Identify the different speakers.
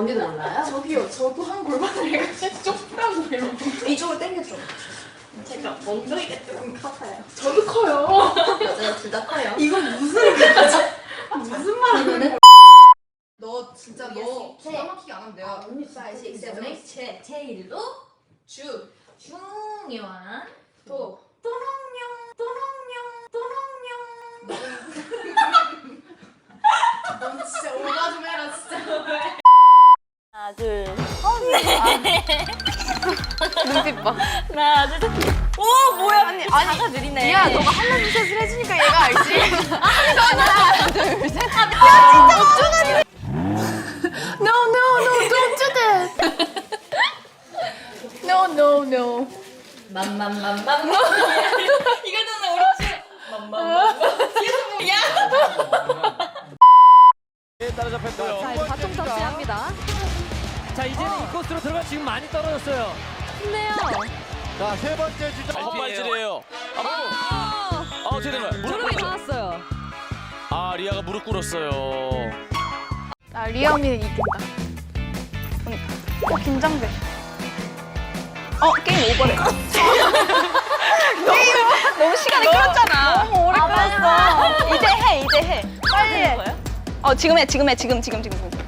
Speaker 1: 언니도 몰라요?
Speaker 2: 저기요, 저도 한 골반을 해가지고 좁다고 이러고.
Speaker 1: 이쪽으로 당겨줘.
Speaker 2: 제가 엉덩이가 조금 커서요. 저도 커요.
Speaker 1: 맞아요, 둘 다 커요.
Speaker 2: 이건 무슨 무슨 말이야?
Speaker 3: 너 진짜 너 기가 막히게 안 하면 내가
Speaker 1: 5, 6, 7, 8, 제일로
Speaker 3: 주
Speaker 1: 중요한
Speaker 3: 도
Speaker 1: 또롱뇽
Speaker 3: 넌 진짜 오바 좀 해라 진짜.
Speaker 4: 하나, 둘.
Speaker 5: 눈빛 봐.
Speaker 4: 하나, 둘, 셋. 오, 뭐야. 아니, 자가 느리네.
Speaker 5: 야, 너가 한라인 셋을 해주니까 얘가 알지. 하나, 둘, 셋. No, no, no, don't do that. No, no, no.
Speaker 1: 맘맘맘맘
Speaker 4: 이거는 어렵지.
Speaker 6: 따라잡혔고요.
Speaker 5: 자, 이제 바통 터치합니다.
Speaker 6: 자, 이제는 이 코스로 들어가 지금 많이 떨어졌어요.
Speaker 5: 좋네요.
Speaker 6: 자, 세 번째 주자.
Speaker 7: 헛발질이에요. 어떻게 된 거야?
Speaker 5: 무릎이 닿았어요.
Speaker 7: 아, 리아가 무릎 꿇었어요.
Speaker 5: 아, 리아 언니는 이긴다. 긴장돼. 게임 오버래. 너무 시간이 끌었잖아. 너무 오래 끌었어. 이제 해. 빨리 해. 지금 해. 지금.